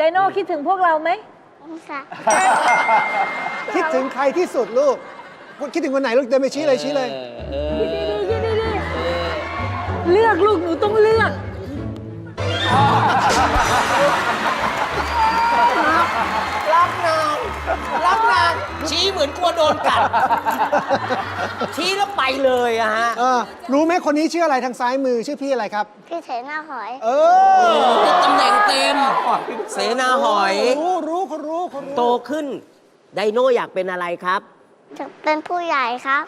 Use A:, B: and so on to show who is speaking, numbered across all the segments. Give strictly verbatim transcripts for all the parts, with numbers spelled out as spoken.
A: โน่คิดถึงพวกเราไหม
B: ค่ะ
C: คิดถึงใครที่สุดลูกคิดถึงคนไหนลูกเดินไปชี้เลยชี้เลย
A: คิดดีๆคิดดีๆเลือกลูกหนูต้องเลือก
D: รักนางรักนางชี้เหมือนกลัวโดนกัด ชี้แล้วไปเลยอะฮะ
C: เออรู้ไหมคนนี้ชื่ออะไรทางซ้ายมือชื่อพี่อะไรครับ
B: พี่เสนาหอย
C: เออ
D: ตำแหน่งเต็ม เสนาหอย
C: รู้รู้เขารู้เขารู้
D: โตขึ้น ไดโน่อยากเป็นอะไรครับ
B: จะเป็นผู้ใหญ่ครับ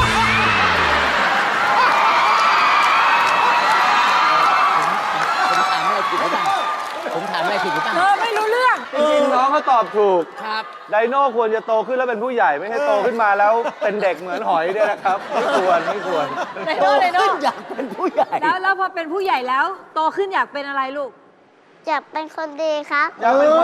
D: ผมถามอะไรผิดหรือเปล่าผมถามอะไรผิดหรือเปล่า
A: เธอไม่รู้เรื่อง
E: จริงๆน้องเขาตอบถูก
D: ครับ
E: ไดโน่ควรจะโตขึ้นแล้วเป็นผู้ใหญ่ไม่ใช่โตขึ้นมาแล้วเป็นเด็กเหมือนหอยเนี่ยนะครับ ไม่ควรไม่ควร
A: ไดโน่ไดโน่
D: อยากเป็นผู้ใหญ่
A: แล้วแล้วพอเป็นผู้ใหญ่แล้ว โตขึ้นอยากเป็นอะไรลูก
B: จะเป็นคนดีครับ
E: อยากเป็นคน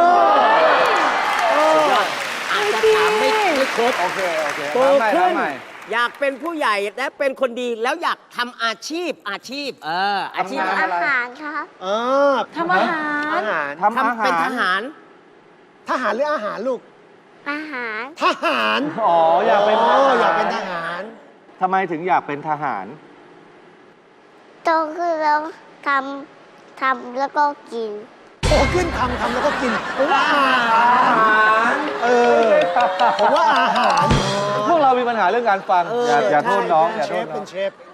D: อาจจะถามไม่ไม่ครบ
E: โอเคโอเค
D: โต
E: ถามใหม่
D: ขึ้
E: ถาน มใหม่
D: อยากเป็นผู้ใหญ่และเป็นคนดีแล้วอยากทำอาชีพอาชีพ เออ อาชีพ
E: ทำงาน
B: อาหารครับ
C: เออ
A: ทำอาหาร
C: อาหาร
E: ทำอา
D: ทำเป็น
E: หาร
D: ทหาร
C: ทหารหรืออาหารลูก
B: อาหาร
C: ทหาร
E: อ๋ออยากเป็นท
C: อ๋อ
E: หาร
C: อยากเป็นทหาร
E: ทำไมถึงอยากเป็นทหาร
B: โตขึ้นแล้วทำทำแล้วก็กิน
C: โตขึ้นทำทำแล้วก็กินผมว่าอาหารเออผมว่าอาหาร
E: พวกเรามีปัญหาเรื่องการฟัง
D: เออ
E: อย่าอย่าโทษน้อง
C: เป็
E: อย่าน
C: เช
E: โทษ
C: ฟ
E: น้
C: เป็
E: อง
C: นเชฟ